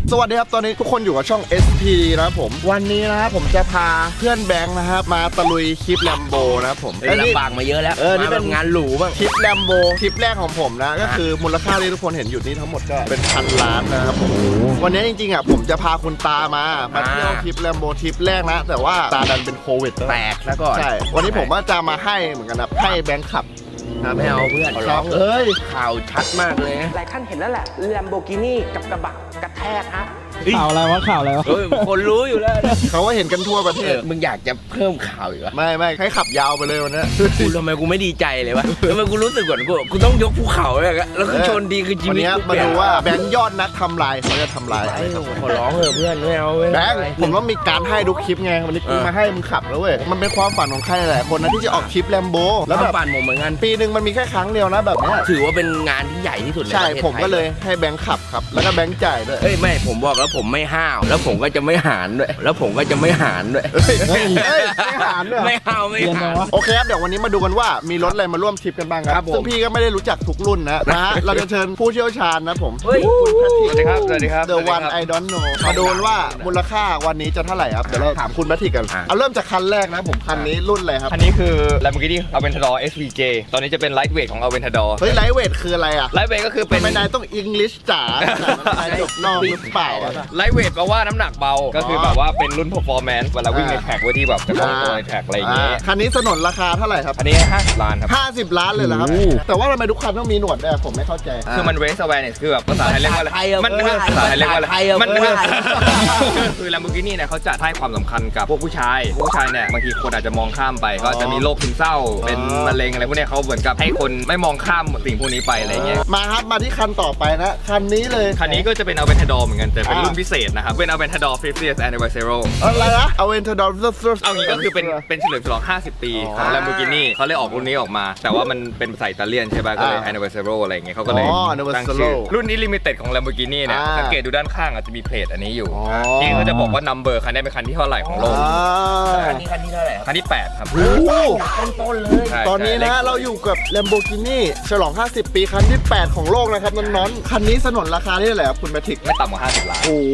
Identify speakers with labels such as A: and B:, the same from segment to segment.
A: สวัสดีครับตอนนี้ทุกคนอยู่กับช่อง SP นะครับผมวันนี้นะครับผมจะพาเพื่อนแบงค์นะครับมาตะลุยคลิปแลมโบนะครับผม
B: ลำบากมาเยอะแล้ว
A: นี่เป็น
B: งานหรูบ้าง
A: คลิปแลมโบคลิปแรกของผมนะก็คือมูลค่าที่ทุกคนเห็นอยู่นี่ทั้งหมดก็เป็นพันล้านนะครับผมวันนี้จริงๆอ่ะผมจะพาคุณตามาเที่ยวคลิปแลมโบทริปแรกนะแต่ว่าตาดันเป็นโควิด
B: แตกซะก่อน
A: ใช่วันนี้ผมว่าจะมาให้เหมือนกันนะให้แบงค์ขับ
B: ไม่เอาเพื่อนร้องข่าวชัดมากเลย
C: หลายท่านเห็นแล้วแหละแลมโบกินี่กับกระบะกระแทกฮะ
D: ข่าวอะไรวะ
B: คนรู้อยู่แล้ว
A: เขาก็เห็นกันทั่วประเทศ
B: มึงอยากจะเพิ่มข่าวอีกวะ
A: ไม่ให้ขับยาวไปเลยวันนี้
B: กูทำไมกูไม่ดีใจเลยวะทำไมกูรู้สึกก่อนกูต้องยกภูเขาเลยแล้วก็ชนดีคือชีวิต
A: วันนี้มาดูว่าแบงค์ยอดนักทำลายเขาจะทำลาย
B: ขอร้องเถอะเพื่อนไม่เอา
A: แบงค์ผมต้องมีการให้ทุกคลิปไงวันนี้กูมาให้มึงขับแล้วเว้ยมันเป็นความฝันของใครหลายคนนะที่จะออกคลิปแลมโบ
B: แล้วแบบฝันผมเหมือนกัน
A: ปีนึงมันมีแค่ครั้งเดียวนะแบบนี้
B: ถือว่าเป็นงานที่ใหญ่ที่สุด
A: ใช่ผมก็เลยให้แบงค์ขับครับแล้วก็แบงค์จ่ายด้วย
B: ไม่ผมบอกแล้วผมไม่ห้าวแล้วผมก็จะไม่หารด้วยไม่หารด้วยไม่ห้าว
A: โอเคครับเดี๋ยววันนี้มาดูกันว่ามีรถอะไรมาร่วมทริปกันบ้างครับซึ่งพี่ก็ไม่ได้รู้จักทุกรุ่นนะเราจะเชิญผู้เชี่ยวชาญนะผม
B: สวัสดีครับ
A: The One I Don't Know มาดูว่ามูลค่าวันนี้จะเท่าไหร่ครับเดี๋ยวเราถามคุณแพทริกกันเอาเริ่มจากคันแรกนะผมคันนี้รุ่นอะไรครับ
E: คันนี้คือ Lamborghini Aventador SVJ ตอนนี้จะเป็น Lightweight ของ Aventador
A: เฮ้ย Lightweight คืออะไรอะ
E: Lightweight ก็คือเป็น
A: ไม่ได้ต้อง English จ๋านายจบนอกหรือเปล่า
E: Lightweight แปลว่าน้ำหนักเบาก็คือแบบว่าเป็นรุ่น performance เวลาวิ่งในแท็กไว้ที่แบบจะคล่องตัวในแท็กอะไรอย่างเงี้ย
A: คันนี้สนนราคาเท่าไหร่ครับ
E: อันนี้50 ล้านครับ
A: 50 ล้านเลยเหรอครับแต่ว่าทำไมทุกคันต้องมีหนวดด้วยผมไม่เข้าใจ
E: คือมัน race awareness คือแบบภาษาไทยเรียกว่าอะไรมันภาษาไทยเรียกว่าอะไรมันคือ Lamborghini เนี่ยเขาจะให้ความสำคัญกับพวกผู้ชายเนี่ยบางทีคนอาจจะมองข้ามไปก็จะมีโรคซึมเศร้าเป็นมะเร็งอะไรพวกนี้เขาเหมือนกับให้คนไม่มองข้ามสิ่งพวกนี้ไปอะไรเงี้ย
A: มาครับมาที่คันต่อไปนะคันนี้เลย
E: คันนี้ก็จะเป็น Aventador เหมือนกันแต่เป็นรุ่นพิเศษนะครับเป็น Aventador 50th Anniversary
A: อะไรนะ Aventador
E: เอางี้ก็คือเป็นเฉลิมฉลอง50 ปีของ Lamborghini เขาเลยออกรุ่นนี้ออกมาแต่ว่ามันเป็นภาษาอิตาเลียนใช่ป่ะก็เลย Anniversary อะไรอย่างเงี้ยเขาก็เลยตั้งชื่อรุ่นนี้ Limited ของ Lamborghini เนี่ยสังเกตดูด้านข้างอาจจะมีเพลทอันนี้อยู่ที่เขาจะบอกว่า number คันนี้เป็นคันที่เท่าไหร่ของโลก
B: คันนี้เท่าไหร่
E: คันที่8ครับ
B: ต้นเลย
A: ตอนนี้นะเราอยู่กับ Lamborghini ฉลอง50 ปีคันที่8ของโลกนะครับน้องๆคันนี้สนนราคาที่เท่าไหร่ครับคุณแพทริก
E: ไม่ต่ำกว่า50 ล้าน
A: โอ้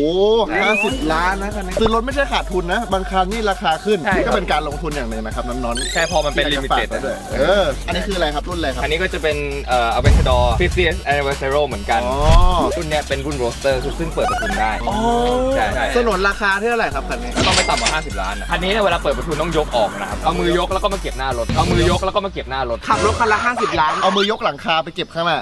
A: 50 ล้านนะคันนี้ซื้อรถไม่ใช่ขาดทุนนะบางคันนี่ราคาขึ้นก็เป็นการลงทุนอย่างหนึ่งนะครับน้องๆ
E: ใช่พอมันเป็น Limited
A: ด้วยอันนี้คืออะไรครับรุ่นอะไรครับ
E: อันนี้ก็จะเป็นAventador 50th Anniversary เหมือนกันรุ่นนี้เป็นรุ่น Roadster ซึ่งเปิดประทุนได้
A: ใช่สนนราคาเท่าไหร่ครับคันนี้
E: ต้องไม่ต่ำกว่า50 ล้านคันนี้เวลาเปิดประทุนต้องยกออกนะครับเอามือยกแล้วก็มาเก็บหน้ารถ
A: ขับรถคันละ50 ล้านเอามือยกหลังคาไปเก็บข้างหน้า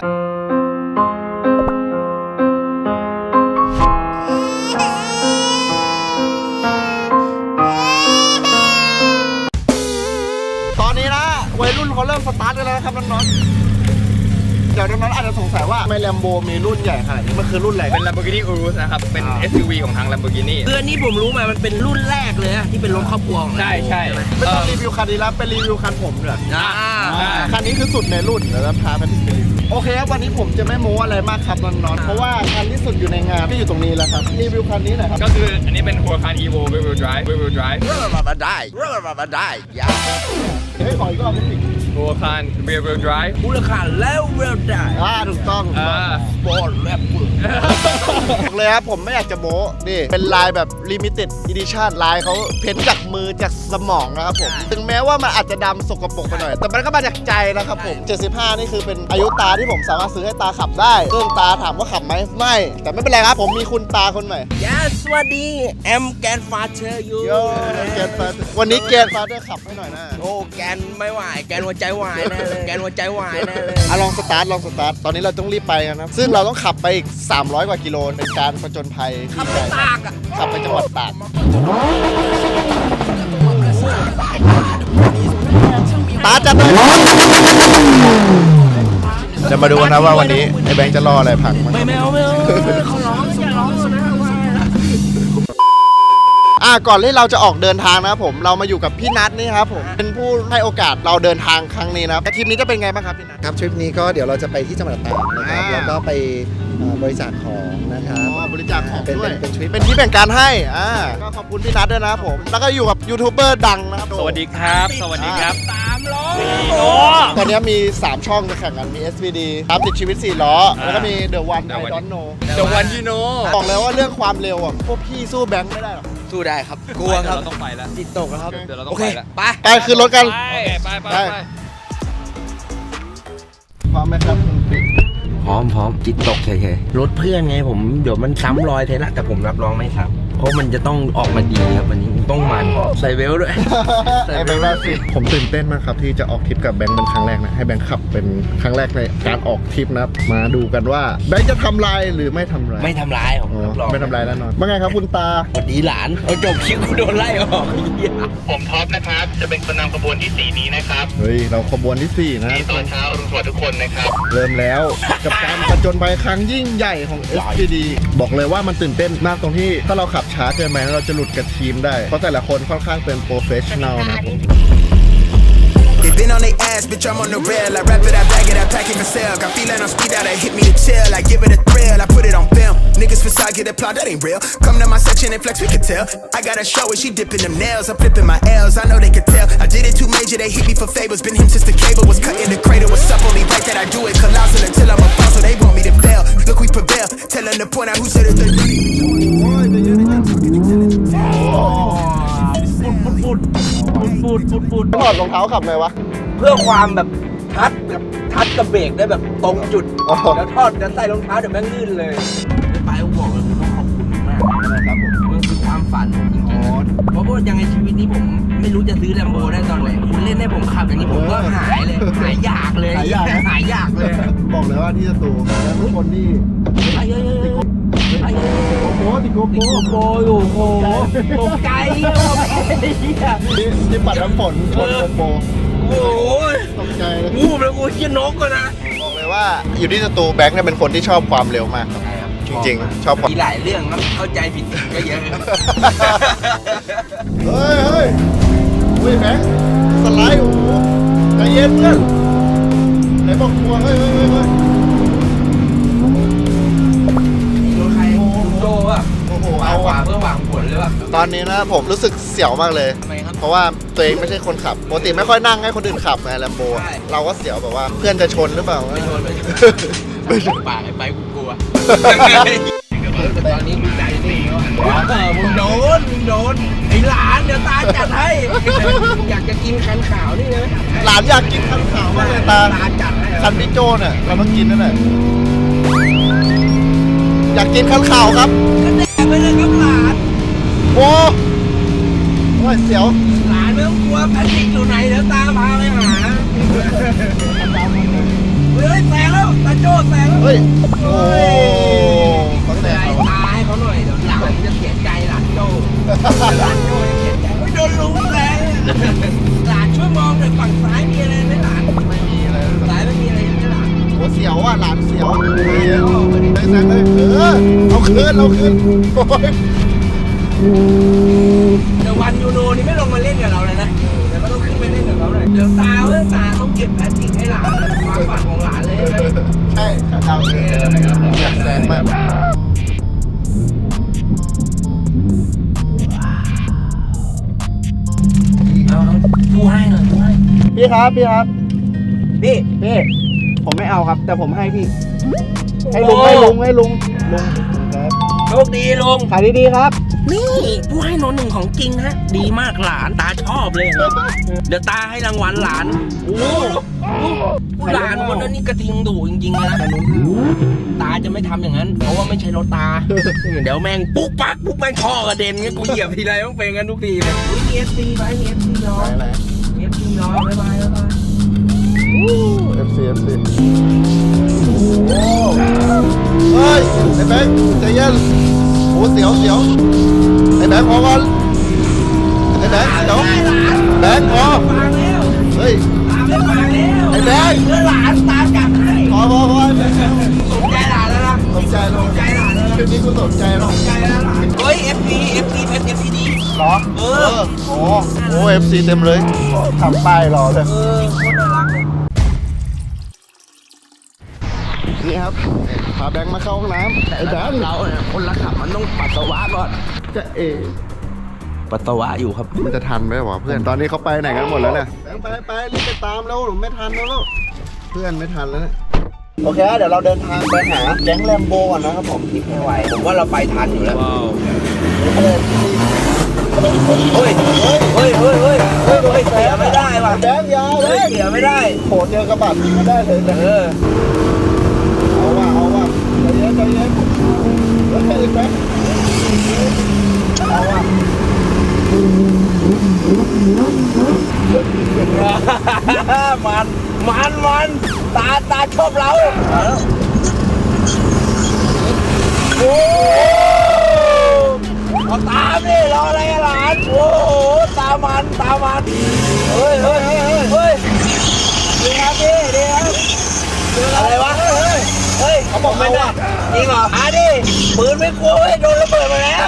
A: ตอนนี้นะวัยรุ่นเขาเริ่มสตาร์ทกันแล้วครับน้องๆเดี๋ยวน้องๆอาจจะสงสัยว่าทำไมแลมโบมีรุ่นใหญ่ขนาดนี้มันคือรุ่นอะไร
E: เป็น Lamborghini Urus นะครับเป็น SUV ของทาง Lamborghini
B: คืออันนี้ผมรู้มามันเป็นรุ่นแรกเลยที่เป็นรถครอบครัว
E: ใช่
A: ไม่ต้องรีวิวคันนี้แล้วไปรีวิวคันผมด้วยคันนี้คือสุดในรุ่นเดี๋ยวเราพาไปที่รีวิวโอเคครับวันนี้ผมจะไม่โม้อะไรมากครับน้องๆเพราะว่าคันที่สุดอยู่ในงานที่อยู่ตรงนี้แล้วครับรีวิวคันนี้หน่อยครับ
E: ก็คืออันนี้เป็น Huracan Evo Rear-wheel Drive
B: ได้ยา
A: ขออีกรอบนิดนึง
E: Huracan Rear-wheel Drive
B: Huracanแล้ว Rear Drive
A: ถูกต้อง
B: Sport Rap
A: เลยครับผมไม่อยากจะโม้นี่เป็นลายแบบ Limited Edition ลายเขาเพ้นจากมือจากสมองนะครับผมถึงแม้ว่ามันอาจจะดำสกปรกไปหน่อยแต่มันก็มาจากใจนะครับผม75นี่คือเป็นอายุตาที่ผมสามารถซื้อให้ตาขับได้เครื่องตาถามว่าขับไหมไม่แต่ไม่เป็นไรครับผมมีคุณตาคนใหม่
B: สวัสดีแอมแกนฟาเธออยู่
A: แกนฟาวันนี้แกนฟาเธอขับให้หน่อยนะ
B: โอ้แกนไม่ไหวแกนหัวใจวายแน่เลยแกนหัวใจวายแน่เลย
A: ลองสตาร์ทตอนนี้เราต้องรีบไปกันนะซึ่งเราต้องขับไปอีก300 กว่ากิโลเป็นการผจญภัย
B: ขับไปตาก
A: ขับไปจังหวัดตากตาจัดเลยจะมาดูนะว่าวันนี้ไอ้แบงค์จะรออะไรพังมั้ง
B: ไม่เอาเขาร้องอย่าร้องนะ
A: ก่อนที่เราจะออกเดินทางนะครับผมเรามาอยู่กับพี่นัทนี่ครับผมเป็นผู้ให้โอกาสเราเดินทางครั้งนี้นะครับทริปนี้จะเป็นไงบ้างครับพี่นัท
D: ครับทริปนี้ก็เดี๋ยวเราจะไปที่จังหวัดตากนะครับ
A: อ่า
D: แล้วก็ไปบริจาคของนะครับ
A: บริจาคของด้วย
D: เป็นทริป
A: เป็นที่แบ่งการให้ก็ขอบคุณพี่นัทด้วยนะครับผมแล้วก็อยู่กับยูทูบเบอร์ดังนะครับ
E: สวัสดีครับ สวัสดีครับ
A: ตอนนี้มี 3 ช่องจะแข่งกันมี SVD ตามติดชีวิต 4 ล้อ แล้วก็มี The One I Don't Know
E: เดี๋ยววันที่โน
A: บอกเลยว่าเรื่องความเร็วอ่ะพวกพี่สู้แบงค์ไม่ได้หรอก
B: สู้ได้ครับ กลัวครับ
E: เราต้องไปแล้ว
B: จิตตกแล้วครับ
E: เดี๋ยวเราต้อ
B: โอง เค
E: ไปแล้ว
B: ไป
A: ไปขึ้นรถกัน
E: โอเคไปไป
A: ไป พร้อมไหมครับคุณปิ๊ก
B: พร้อมจิตตกเฉยๆรถเพื่อนไงผมเดี๋ยวมันซ้ำรอยเทละแต่ผมรับรองไม่ซ้ำเพราะมันจะต้องออกมาดีครับวันนี้ต้องมันใส่เวลด้วย
A: ไอ้แบงค์ล่าสุดผมตื่นเต้นมากครับที่จะออกทริปกับแบงค์เป็นครั้งแรกนะให้แบงค์ขับเป็นครั้งแรกในการออกทริปนะครับมาดูกันว่าแบงค์จะทำลายหรือไม่ทำลาย
B: ไม่ทำร้ายผม
A: อ๋อ
B: รับรอง
A: ไม่ทำลายแน่นอนว่าไงครับคุณตา
B: สวัสดีหลานเอาจบคลิปกูโดนไล่ออกไอ้เหี้ย
F: ผมท็อปนะครับ จะเป็นคนนำขบวนที่ 4 นี้นะครับ
A: เฮ้ยเราขบวนที่ 4 นะ
F: นี่ตอนเช้าอรุณสวัสดิ์ทุกคนนะครับ
A: เริ่มแล้วกับการผจญภัยครั้งยิ่งใหญ่ของ SPD บอกเลยว่ามันตื่นเต้นมากตรงที่ถ้าเราขับช้าเกินไปเราจะหลุดกับทีมได้ เพราะแต่ละคนค่อนข้างเป็นโปรเฟชชั่นแนลนะครับผม
G: They been on their ass, bitch, I'm on the rail. I wrap it, I bag it, I pack it for sale. Got feeling on speed out, they hit me to chill. I give it a thrill, I put it on film. Niggas facade, get applaud, that ain't real. Come to my section and flex, we can tell. I got a show where she dipping them nails. I'm flipping my L's, I know they can tell. I did it too major, they hit me for favors. Been him since the cable was cut in the cradle. What's up, only right that I do it. Colossal until I'm a boss, so they want me to fail. Look, we prevail. Tell them to point out who said it.
A: ถอดรองเท้าขับไงวะ
B: เพื่อความแบบทัดกับเบรกได้แบบตรงจุด
A: อ๋อ
B: แล้วทอดจะใส่รองเท้าเดี๋ยวแม่งลื่นเลยไปผมบอกเลยผมต้องขอบคุณมากนะครับผมมันคือความฝันจริงๆเพราะว่ายังไงชีวิตนี้ผมไม่รู้จะซื้อแลมโบได้ตอนไหนคุณเล่นให้ผมขับอย่างนี้ผมก็หายเลยหายอยากเลย
A: หายอยากนะ
B: หายอยากเลย
A: บอกเลยว่าที่จะตูแล้วทุกคนที่
B: ไปเยอะๆไปเยอะๆ
A: โอ้โหติดโก
B: ติด
A: โก้
B: โกโบอยู่โอ้โหตกใจว่าไอ้เหี้ย
A: ที่ปัดน้ำฝนชนโกโก้
B: โอ้ย
A: ตกใจเลย
B: งูเลยกูเชี่ยนกก็นะ
A: บอกเลยว่าอยู่ที่สตูแบงค์เนี่ยเป็นคนที่ชอบความเร็วมากครับจริงๆชอบความ
B: มีหลายเรื่องครับเข้าใจผิดก็เยอะครับ
A: เฮ้ยเฮ้ยอุ้ยแบงค์สไลด์โอ้โหใจเย็นเพื่อนไหนบอกกลัวเฮ้ยเฮ้ยเฮ้ยเฮ้ย
B: รถใครโจป่ะ
A: โอ้โห
B: เอา
A: เอา
B: ขวา
A: ว่ะ
B: เพื่อหวังผลเลยป่ะ
A: ตอนนี้นะผมรู้สึกเสียวมากเลย
B: ทำไมครับ
A: เพราะว่าตัวเองไม่ใช่คนขับปกติไม่ค่อยนั่งให้คนอื่นขับไงแลมโบ
B: ใช่
A: เราก็เสียวแบบว่าเพื่อนจะชนหรือเปล่า
B: ไม่ชน
A: ไม่ชน
B: ปากไอ้ไปกูกลัวแต่ตอนนี้กูใจนิ่งแล้วมึงโดนไอ้หลานเดี๋ยวตาจัดให้อยากจะกินคันขาวนี่เลย
A: หลานอยากกินคันขาวมากเลยตา
B: ตาจัดให้
A: คันพี่โจเนี่ยเราต้องกินนั่นแหละอยากกินคันขาวครับ
B: ก็แดกไปเลยครับหลาน
A: โอ้ยเสียว
B: หลานไม่ต้องกลัวแพทริกอยู่ไหนเดี๋ยวตาพาไปหาเฮ้ยแซงแล้วตาโจ้แซงแล้ว
A: เฮ้ยโอ้เขาแส
B: ใจ
A: บ
B: ตายเขาหน่อยเดี๋ยวหลานจะเสียใจหลานโจ้หลานโจ้จะเสียใจไม่โดนลุงแซงหลานช่วยมองหน่อยฝั่งซ้ายมีอะไรไหมหลาน
A: ไม่มีอะไร
B: ซ้ายไม่มีอะไรใช่ไหมหลาน
A: โอ้เสียวอ่ะหลานเสียวเลยแซงเลยเอาคืนโอ้ย
B: เดี๋ยววันยูโนนี่ไม่ลงมาเล่นกับเราเลยนะเดี๋ยวก็ต้องขึ้นไปเล่นกับเขาหน่อยเดี๋ยวตาต้องเก็บแพทริกให้หลานความฝันของหลานเลยใช่ไหม
A: ใช่เอาอยากแซงมาก
B: กูให้หน่อยกูให้
A: พี่ครับพี่
B: พี่
A: ผมไม่เอาครับ แต่ผมให้พี่ ให้
B: โอ้
A: ลุงครับ
B: โชคดีลุง
A: ขายดีๆครับ
B: นี่ผู้ให้โนหนึ่งของจริงฮะ ดีมากหลานตาชอบเลย เดี๋ยวตาให้รางวัลหลานโอ้หลานคนนั้นนี่กระทิงดุจริงๆเลยนะตาจะไม่ทำอย่างนั้น เพราะว่าไม่ใช่รถตา เดี๋ยวแม่งปุ๊กปักปุ๊กแม่งท่อกระเด็นเงี้ยกูเหยียบทีไรต้องเป็นกันทุกทีเลยมี FC ไปมี FC น้องมี FC น้องบ๊ายบาย
A: FC เฮ้ยไอ้แบงค์ใจเย็นโอ้เสียวไอ้แบงค์พอก่อนไอ้แบงค์เดี๋ยวแบงค์พอ
B: ฟังแล้ว
A: เฮ้ย
B: ตาไม่ฟังแล้ว
A: ไอ้แบงค์
B: เมื่อหลานตาจับให้
A: พอไอ้แบงค์
B: สนใจหลานแล้วนะ
A: สนใจหลาน
B: ใจหลานแล้ว
A: คืนนี้กูสนใจหรอก
B: ใจแล้วหลานเฮ้ย FC เพชร FC ดี
A: รอ FC เต็มเลยทำป้ายรอเลย
B: โคตรน่ารักเลย
A: นี่ครับพาแบงค์มาเข้าห้องน้ำไอ้แบงค์
B: เราเนี่ยคนละขับมันต้องปัสสาวะก่อน
A: จะ
B: ปัสสาวะอยู่ครับ
A: มันจะทันไหมวะเพื่อนตอนนี้เขาไปไหนกันหมดแล้วเนี่ยไปรีบไปตามแล้วหนูไม่ทันแล้วเพื่อนไม่ทันแล้วเนี่ยโอเคเดี๋ยวเราเดินทางไปหาแก๊งแลมโบก่อนนะครับผม
B: คิดไม่ไหวผมว่าเราไปทันอยู่แล้วเฮ้ยเสียไม่ได้ว่ะ
A: แบงค์ยาวเลย
B: เสียไม่ได้
A: โหเจอกระบะยิงไม่ได้เลยแต่เอาว่ะใจเย็นแล้วแค่อีกแป๊บเอาว่ะ
B: มันตาชอบเราโอ้เอาตามดิรออะไรกันหลานโอ้โหตามมันเฮ้ยดีครับอะไรวะเฮ้ยเขาบอกไม่ได้จริงเหรอดิปืนไม่กลัวเว้ยโดนระเบิดมาแล้ว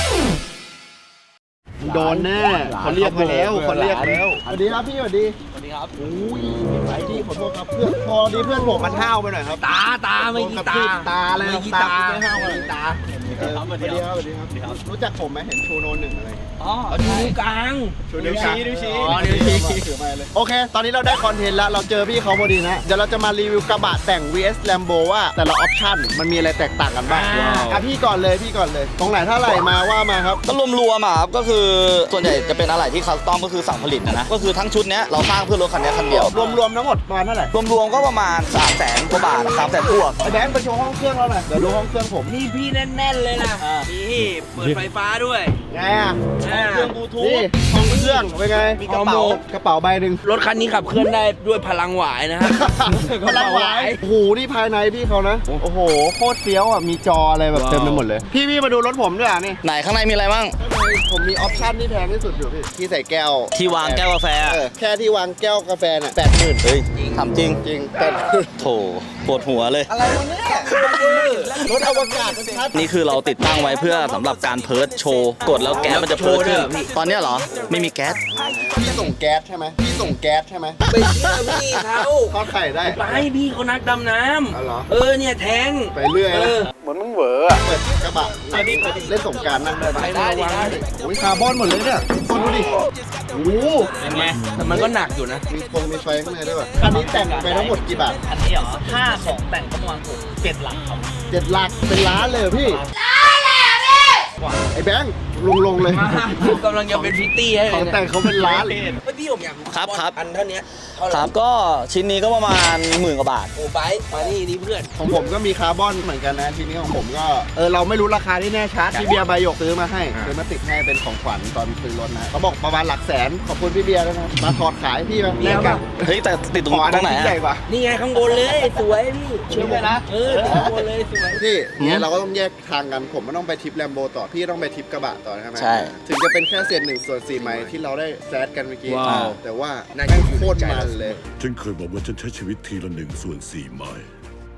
A: โดนแน่เขาเรียกไปแล้วสวัสดีครับพี่สวัสดีครับโอ้ยไปที่ขอโทษครับเพื่อนพอดีเพื่อนผมมันห้าวไปหน่อยครับ
B: ตาไม่กีตา
A: อะไร
B: ไม่กีตา
A: ไม่ห้าวอะไร
B: ตา
A: สวัสดีครับรู้จักผมไหมเห็นชูโน1อะไร
B: อ๋อนิ้วกลาง
A: ชูนิ้วชี้
B: อ๋อนิ้วชี้
A: ถือไปเลยโอเคตอนนี้เราได้คอนเทนต์แล้วเราเจอพี่เขาพอดีนะเดี๋ยวเราจะมารีวิวกระบะแต่ง vs Lambo ว่าแต่ละออปชั่นมันมีอะไรแตกต่างกันบ้างพี่ก่อนเลยตรงไหนเท่าไหร่มาว่ามาครับ
H: ก็รวมๆอ่ะครับก็คือส่วนใหญ่จะเป็นอะไรที่คัสตอมก็คือสั่งผลิตนะก็คือทั้งชุดเนี้ยเราสร้างเพื่อรถคันนี้คันเดียว
A: รวมทั้งหมดประมาณเท่าไหร่
H: รวมๆก็ประมาณ 300,000 กว่าบาทนะครับแต่บวก
A: ไอ้แบงค์ไปโชว์ห้องเครื่องเราหน่อยเดี๋ยวดูห้องเครื่องผม
B: นี่พี่แน่นๆเลยนะนี่เปิดไฟฟ้าด้วย
A: ไงอ่ะเครื่องบลูทูธนี่ห้องเครื่องเป็นไงมีกระเป๋าใบหนึ่ง
B: รถคันนี้ขับเคลื่อนได้ด้วยพลังหวายนะฮะ
A: พลังหวายโอ้โหนี่ภายในพี่เขานะโอ้โหโคตรเฟี้ยวอ่ะมีจออะไรแบบเต็มไปหมดเลยพี่มาดูรถผมด้วยอ่ะนี่
H: ไหนข้างในมีอะไรบ้าง
A: ผมมีออปชั่นที่แพงที่สุดอยู่พี่ที่ใส่แก้ว
H: ที่วางแก้วกาแฟ
A: แค่ที่วางแก้วกาแฟน่ะ80,000
H: เฮ้ยทำจริง
A: จริง80,000
H: โถปวดหัวเลย
A: อะไรวะเนี่ยรถอวกาศชัด
H: นี่คือเราติดตั้งไว้เพื่อสำหรับการเพิร์ชโชว์กดแล้วแก๊สมันจะเพิร์ชขึ้นตอนเนี้ยเหรอไม่มีแก๊ส
A: พี่ส่งแก๊สใช่ไหมไม่เชื่อ
B: พี่เขา
A: ทอดไข่ได้
B: ไปพี่เขานักดำน้
A: อ๋อเหรอ
B: ำเนี่ยแทง
A: ไปเรื่อยนะเหมือนมึงเหวอเปิดกระบะเล่นสงกรารนั่งได้ปะ
B: ได้ดิ
A: โอ้ยคาร์บอนหมดเลยเนี่ยคนดูดิโอ้โห
B: เป็นไงแต่มันก็หนักอยู่นะ
A: มีไฟข้างในด้วยป่ะอันนี้แต่งไปทั้งหมดกี่บาท
I: อันนี้เหรอ5-2แต่งก็ประมาณ7 หลักครับ
A: 7 หลักเป็นล้านเลยเหรอพี่ไอ้แบงค์ลงเลย
B: กำลังจะเป็นพิตตี้ให้
A: ของแต่งเขาเป็นล้านเลย
B: พี่ผมอยาก
H: ครับ
B: อันเท่านี้เท่าไห
H: ค
B: ร่
H: รับก็ชิ้นนี้ก็ประมาณ10,000 กว่าบาท
B: โอ้ไปมานี่ดิเพื่อน
A: ของผมก็มีคาร์บอนเหมือนกันนะทีนี้ของผมก็เราไม่รู้ราคาที่แน่ชัดพี่เบียร์ใบหยกซื้อมาให้ซื้อมาติดให้เป็นของขวัญตอนซื้อรถนะเขาบอกประมาณหลักแสนขอบคุณพี่เบียร์ด้วยนะมาถอดขายพี่มาแลกกัน
H: เฮ้ยแต่ติดตรง
A: ขออัน
H: ตร
A: นั้
H: ง
A: น
H: ไหน
A: ชิ้นใหญ่
H: อะ
A: กว่า
B: นี่ไงข้างบนเลยสวยพี่ช่วยนะติดข้างบนเลยสวย
A: พี่เนี่ยเราก็ต้องแยกทางกันผมไม่ต้องไปทริปแลมโบต่อพี่ต้องไปทริปกระบะต่อใช่ไหม
H: ใช่
A: ถึงจะเป็นแค่เศษ1/4 ไมล์ที่เราได้แซดกันเมื่อกี้
B: ว้าว
A: แต่ว่าแม่งโคตรมันเลย
J: ฉันเคยบอกว่าฉันใช้ชีวิตทีละ1/4 ไมล์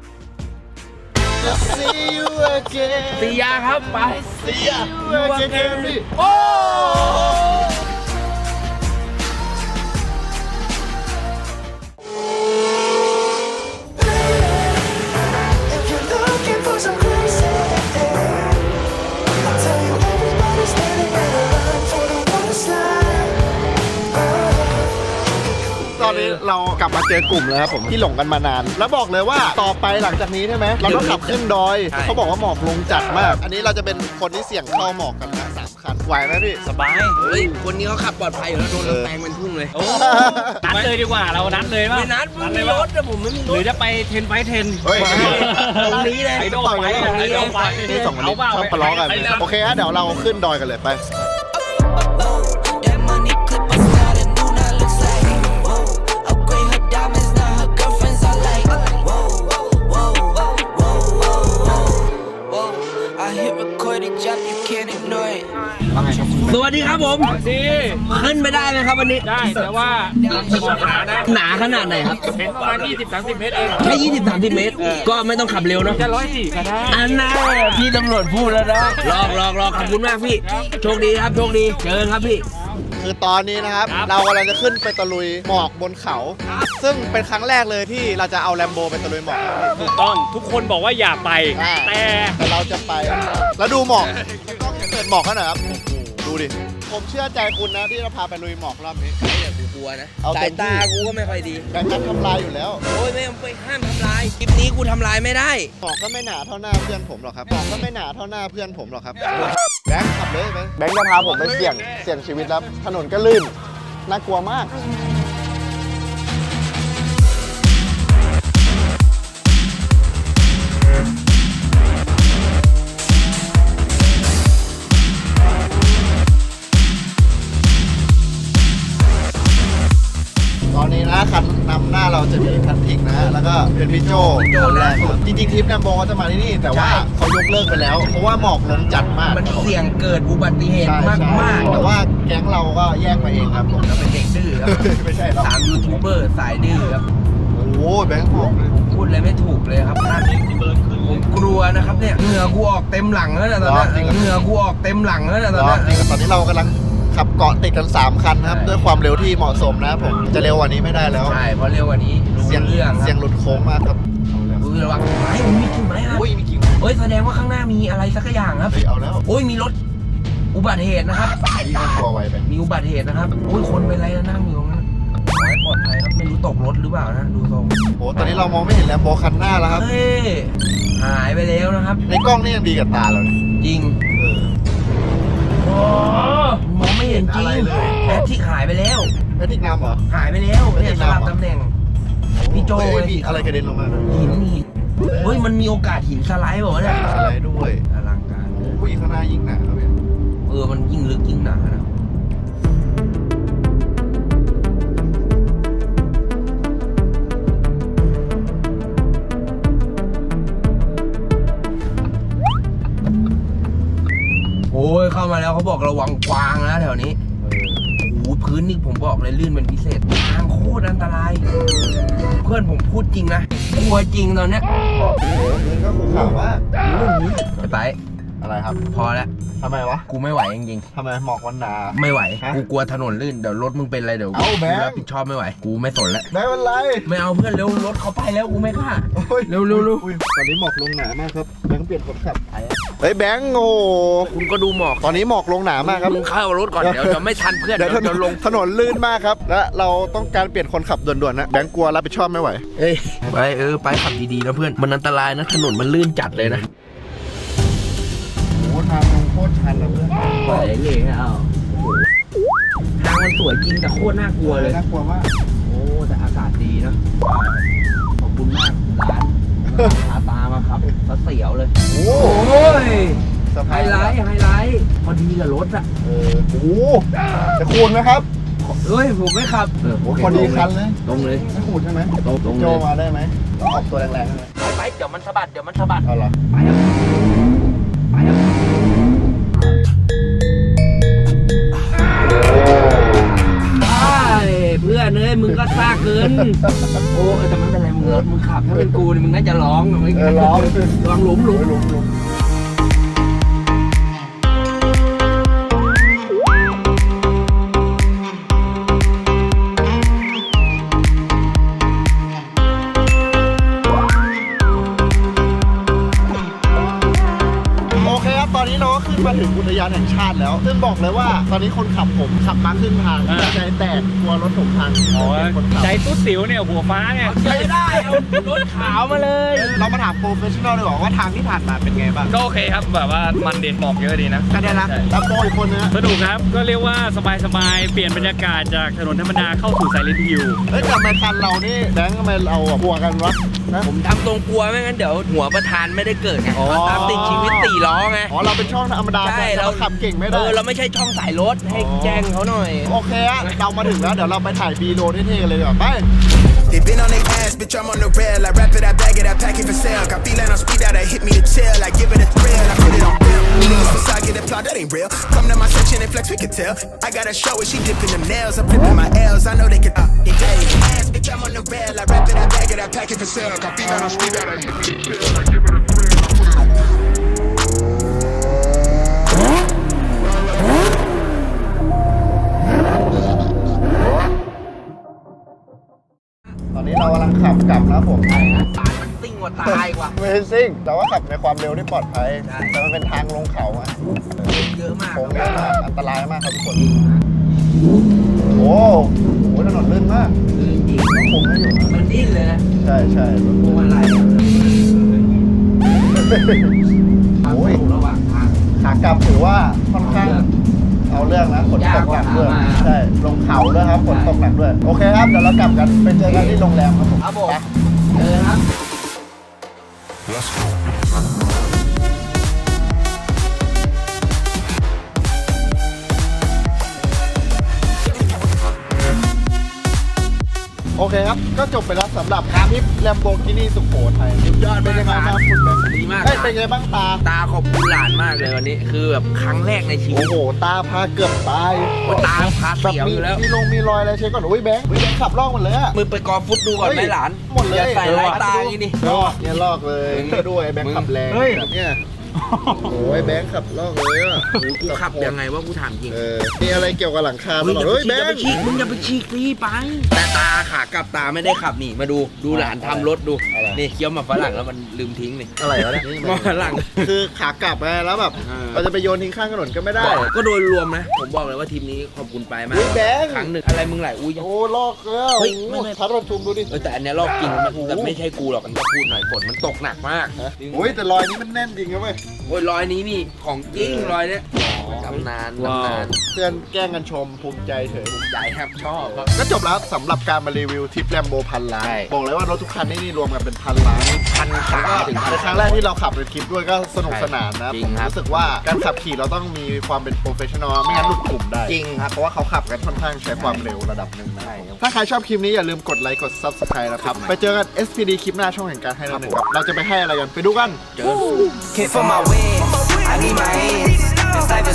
A: See you again
B: สียาครับไป
A: See you again พี่
B: โอ้
G: If you're looking for some crazy, I'll tell you everybody's standing in a line for the water slide.
A: ตอนนี้เรากลับมาเจอกลุ่มแล้วครับผมที่หลงกันมานาน แล้วบอกเลยว่าต่อไปหลังจากนี้ใช่ไหมเราต้องขับขึ้นดอยเขาบอกว่าหมอกลงจัดมาก อันนี้เราจะเป็นคนที่เสี่ยงเข้าหมอกกันนะ3 คันไหวไหมพี่
B: สบายเฮ้ยคนนี้เขาขับปลอดภัยอยู่แล้วโดนแตงเป็นพุ่งเลย
I: นัดเลยดีกว่าเรานัดเลยป่ะ
B: ไม่นัดไม่มีรถแต่ผมไม่มีร
I: หรือ
B: ถ
I: จะไป10 ไฟ 10
A: เฮ้ย
B: ตรงนี้เลย
I: ไอโด
A: ต่อย
I: ไฟ
A: กัน
I: ไอโดไฟ
A: นี่สองคนนี้ชอบทะเลาะกันโอเคฮะเดี๋ยวเราขึ้นดอยกันเลยไป
G: That money clip I started new, now looks like whoa. Upgrade her diamonds, now her girlfriends are like whoa, whoa, whoa, whoa, whoa. I hit recorded drop, you can't ignore it.
B: สวัสดีครับผมขึ้นไม่ได้เลยครับวันนี้
I: ได้แต่ว่าบอกหานะ
B: หนาขนาดไหนครับ
I: เป็นประมาณ20-30 เมตรเอง
B: แค่20-30 เมตร ก็ไม่ต้องขับเร็วเนาะ
I: จะ104ก็ได้
B: อันน่าพี่ตำรวจพูดแล้วนะลองขอบคุณมากพี่ โชคดีครับโชคดีเจอกันครับพี่
A: คือตอนนี้นะครับ เรากำลังจะขึ้นไปตะลุยหมอกบนเขา ซึ่งเป็นครั้งแรกเลยที่เราจะเอาแลมโบไปตะลุยหมอก
I: ถูกต้องทุกคนบอกว่าอย่าไป
A: แต่เราจะไปแล้วดูหมอกต้องเปิดหมอกเขาหน่อยครับดูดิผมเชื่อใจคุณนะที่จะพาไปลุยหมอกรอบนี้
B: กูกลัวนะ
A: เอา
B: สา
A: เต็
B: ย
A: มที่
B: ตากูก็ไม่ค่อยดี
A: แบงค์นัดทำลายอยู่แล้ว
B: โอ้ยไม่ห้ามทำลายคลิปนี้กูทำลายไม่ได้
A: หมอกก็ไม่หนาเท่าหน้าเพื่อนผมหรอกครับหมอกก็ไม่หนาเท่าหน้าเพื่อนผมหรอกครับแบงค์ขับเลยแบงค์จะพาผมไปเสี่ยงชีวิตแล้วถนนก็ลื่นน่ากลัวมากตอนนี้นะคันนำหน้าเราจะมีแพทริกนะแล้วก็เป็นพี่โจคนแรกครับจริงๆทริปแลมโบเขาจะมาที่นี่แต่ว่าเขายกเลิกไปแล้ว เพราะว่าหมอกลงจัดมาก
B: มันเสี่ยงเกิดอุบัติเหตุ
A: ใช่
B: มาก
A: แต่ว่าแก๊งเราก็แยกมาเองครับผม
B: เราเป็นเด็กดื้อครับ
A: ไม่ใช่หรอก
B: สามยูทูบเบอร์สายดื้อครับ
A: โอ้โหแบงค์หมอกเลย
B: พูดอะไรไม่ถูกเลยครับท่านผมกลัวนะครับเนี่ยเหงื่อกูออกเต็มหลังแล้วนะตอนนี้เหงื่อกูออกเต็มหลังแล้วนะตอนนี้
A: จริงตอนนี้เรากำลังขับเกาะติดกัน3คันนะครับด้วยความเร็วที่เหมาะสมนะครับผมจะเร็วกว่านี้ไม่ได้แล้ว
B: ใช่เพราะเร็วกว่านี้รู้
A: เสียง
B: เรื่อง
A: เสียงหลุดโค้งมากครับ
B: อุ้ยระวังไม้มีกิ่งไม้ครับ
A: อุ้ยมีกิ่ง
B: เฮ้ยแสดงว่าข้างหน้ามีอะไรสักอย่างครับ
A: เฮ้ยเอาแล้ว
B: โอ้ยมีรถอุบัติเหตุนะครับ
A: นี่ก็กลัวไวไป
B: มีอุบัติเหตุนะครับโอ้ยคนเป็นไรนะนั่งอยู่ตรงนั้นขอให้ปลอดภัยครับไม่รู้ตกรถหรือเปล่านะดูทรง
A: โอ้ตอนนี้เรามองไม่เห็นแลมโบคันหน้าแล้วครับ
B: เฮ้ยหายไปแล้วนะครับ
A: ในกล้องนี่ยังดีกับตาเราเลย
B: จริง
A: เออ
B: มองไม่เห็นจริง
A: อะไรเลย
B: แอปที่หายไปแล้ว
A: แพทริกนำเหรอ
B: หายไปแล้วเนี่ยสลับตำแหน่ง พี่โจ้
A: เฮ้ยมีอะไรกระเด็นลงมา
B: หินเฮ้ยมันมีโอกาสหินสไลด์บอกว่าเนี่ย
A: อะไรด้วย
B: อลังการ
A: ผู้หญิงข้างหน้ายิ่งหนาครับเนี่ย
B: มันยิ่งลึกยิ่งหนานะโอ้ยเข้ามาแล้วเขาบอกระวังกวางนะแถวนี้โอ้โหพื้นนี่ผมบอกเลยลื่นเป็นพิเศษทางโคตรอันตราย เพื่อนผมพูดจริงนะกลัวจริงตอนเนี้ย
A: โอ้โหเงินก็ขู่ข่าวมาก
B: ไป
A: อะไรครับ
B: พอแล้ว
A: ทำไมวะ
B: กูไม่ไหวจริง
A: ทำไมหมอกวันหนา
B: ๆไม่ไหว
A: ฮะ
B: กูกลัวถนนลื่นเดี๋ยวรถมึงเป็นอะไรเดี๋ยว
A: เอาแบงค์
B: กูรับผิดชอบไม่ไหวกูไม่สนแล้ว
A: ไม่เป็นไร
B: ไม่เอาเพื่อนเร็วรถเขาไปแล้วกูไม่กล้า
A: โอ้ย
B: เร็วๆ
A: อุ้ยตอนนี้หมอกลงหนามากครับแบงค์เปลี่ยนคนขับเฮ้ยแบงค์โอ้
B: คุณก็ดูหมอก
A: ตอนนี้หมอกลงหนามากครับ
B: มึงเข้ารถก่อนเดี๋ยวจะไม่ทันเพื่อน
A: เดี๋ยว
B: เดี๋ยวลง
A: ถนนลื่นมากครับและเราต้องการเปลี่ยนคนขับด่วนๆนะแบงค์กลัวรับผิดชอบไม่ไหว
B: เอ้ยไปไปขับดีๆนะเพื่อนมันอันตรายนะถนนมันลื่นจัดเลยนะ
A: โอ้ทางลงโคตรชันเลยเพื่อน
B: ไปเลยเอาทางมันสวยจริงแต่โคตรน่ากลัวเลย
A: น่ากลัวมาก
B: โอ้แต่อากาศดีนะขอบคุณมากร้านพาตามาครับเสียวเลย
A: โอ้
B: โอ้ย
A: สะ
B: ไฮ
A: พาน
B: ไลท์พอดีกับรถอะ
A: โอ้จะคูณไหมครับ
B: เฮ้ยผมไม่ขับ
A: โอ้พอดีคันเลย
B: ตรงเลย
A: ไม่คูณใช่ไหม
B: ตรง
A: โจ
B: เลย
A: มาได้ไหมต้องออกตัวแรงๆใช่ไหม
B: ไปเดี๋ยวมันสะบัด
A: เอาเหรอ
B: ไปครับไปครับเพื่อนเอ้ยมึงก็ซ่าเกินโอ้แต่ไม่เป็นไรมึงขับถ้าเป็นกูนี่มึงน่าจะร้องไม่
A: ร้อง
B: ลองหลุม
A: โอเคครับตอนนี้เราก็ขึ้นมาถึงอุทยานแห่งชาติแล้ว ซึ่งบอกเลยว่าตอนนี้คนขับผมขับมาครึ่งทางใจแตกกลัวรถผมพังคนขับ
I: ใจตุ๊ดติ๋วเนี่ยหัวฟ้าไง
B: ใช้ได้เอารถขาวมาเลย
A: เรามาถามโปรเฟชชั่นอลดีกว่าว่าทางที่ผ่านมาเป็นไงบ้าง
E: ก็โอเคครับแบบว่ามันดีหมอกเยอะดีนะ
A: ก็ได้นะแล้วโปรอีกคนนึง
I: สนุกครับ ก็เรียกว่าสบายๆ เปลี่ยนบรรยากาศจากถนนธรรมดาเข้าสู่ไซเลนท์ฮิล
A: เฮ้ยแต่ทำไมคันเรานี่แบงค์ทำไมเรากลัวกันวะนะ
B: ผมทำตรงกลัวไม่งั้นเดี๋ยวหัวประธานไม่ได้เกิดไง
A: อ๋อ
B: ตามติดชีวิต4 ล้อไง
A: อ๋อเราเป็นช่องธรรมดา
B: ใช่
A: เราขับเก่งไม่ได้
B: เราไม่ใช่ช่องสายรถให้แจ้งเขาหน่อย
A: โอเคอะเรามาถึงแล้วเดี๋ยวเราไปถ่ายบีโดเท่ๆเลยดีกว่าไป
G: They been on their ass, bitch, I'm on the rail. I wrap it, I bag it, I pack it for sale. Got feeling on speed out, hit me to chill. I give it a thrill, I put it on film. Niggas beside get applaud, that ain't real. Come to my section and flex, we can tell. I got a show where she dipping them nails. I'm flipping my L's, I know they can they ass, bitch, I'm on the rail. I wrap it, I bag it, I pack it for sale. Got feeling on speed out, hit me to chill. I give it a thrill, I put it on film.
A: ตอนนี้เรากำลังขับกลับนะครับผม
B: ตายมันซิ่งกว่าตายกว่า
A: ไม่ใช่ซิ่งแต่ว่าขับในความเร็วที่ปลอดภัยแต่มันเป็นทางลงเขาอะ
B: เยอะมาก
A: โค้งเยอะมากอันตรายมากครับทุกคนโอ้โหถนนลื่นมาก
B: จริง
A: ต้องคุมไม่อยู่นะ
B: มันดิ้นเลยนะ
A: ใช่ใช่
B: พวงมาลัย
A: โอ้ย
B: ระหว่างทาง
A: ขากลับถือว่าค่อนข้างเอาเรื่องนะฝนตกหนักด้วย
B: ยากกว่าขามา
A: ใช่ลงเขาด้วยครับฝนตกหนักด้วยโอเคครับเดี๋ยวเรากลับกันไปเจอกันที่โรงแรมครับผม
B: ครับผม
A: ไป
B: ครับ
A: โอเคครับก็จบไปแล้วสำหรับทริป Lamborghini สุโขทัยสุดยอดเป็นยังไงบ้างคุณแบงค์
B: ดีมาก
A: เฮ้ยเป็นไงบ้างตา
B: ตาขอบคุณหลานมากเลยวันนี้ คือแบบครั้งแรกในชีวิ
A: โอ้
B: ต
A: โหตาพาเกือบตาย
B: โอ้ตาพาเสียวอยู่แล้ว
A: มีรอยอะไรเช็คก่อนโอ้ยแบงค์ขับล่องหมดเลยอะ
B: มึงไปกอฟุตดูก่อนไหมหลาน
A: หมดเลย
B: อย่าใส่ร้ายตาอย่างนี้ดิ
A: ลอกเนี่ยลอกเลยด้วยแบงค์ขับแรงแบบเนี่ยโอ้ยแบงค์ขับลอกเลยอ่ะ
B: กูขับยังไงว่ากูถามจริง
A: มีอะไรเกี่ยวกับหลังคาตลอด
B: เฮ้
A: เฮ้
B: ย
A: ย
B: อ
A: แบ
B: ย่าไป
A: งค์
B: ฉีกมึงอย่าไปฉีกรีไป แต่ตาขากลับตาไม่ได้ขับนี่มาดูหลานทำรถดูนี่เคี้ยวหมาฝรั่งแล้วมันลืมทิ้งนี่
A: อะไรวะเนี่ย
B: หมาฝรั่ง
A: คือขากลับไงแล้วแบบเราจะไปโยนทิ้งข้างถนนก็ไม่ได้
B: ก็โดยรวมนะผมบอกเลยว่าทีมนี้ขอบคุณไปมาก
A: เฮ้ยแบงค์
B: ครั้งหนึ่งอะไรมึงไหลอุ้ย
A: โอ้ลอกแล้ว
B: เฮ้ยไม่
A: ทัดประชุมดูดิ
B: แต่อันเนี้ยรอบจริงมันแต่ไม่ใช่กูหรอกมันจะพูดหน่อยฝนมันตกหนักมาก
A: โอ้ยแต่รอยนี้มันแน่นจริงนะเว้ย
B: โอ้ยรอยนี้นี่ของจริงรอยเนี้ยตำนานตำนาน
A: เพื่อนแกล้งกันชมภูมิใจเถอะ
B: ใหญ่ครับชอบครับ
A: ก็จบแล้วสำหรับการมารีวิวทริปแลมโบพันล้านบอกเลยว่ารถทุกคันนี่รวมกันเป็นพันล้าน
B: 1,300 ถึง
A: เป็นครั้งแรกที่เราขับในทริปด้วยก็สนุกสนานนะ
B: จริ
A: ผ
B: ง
A: ม
B: ครับ
A: รู้สึกว่าการขับขี่เราต้องมีความเป็นโปรเฟชชั่นอลไม่งั้นหลุดกลุ่มได้
B: จริงครับ
A: เพราะว่าเขาขับกันค่อนข้างใช้ความเร็วระดับหนึ่งนะถ้าใครชอบคลิปนี้อย่าลืมกดไลค์กด Subscribe นะครับไปเจอกัน SPD คลิปหน้าช่องแห่งการให้เราหนึ่งครับเราจะไปให้อะไรกันไปดูกัน
B: เจอ
C: Came for my wins, I need my ends. This life is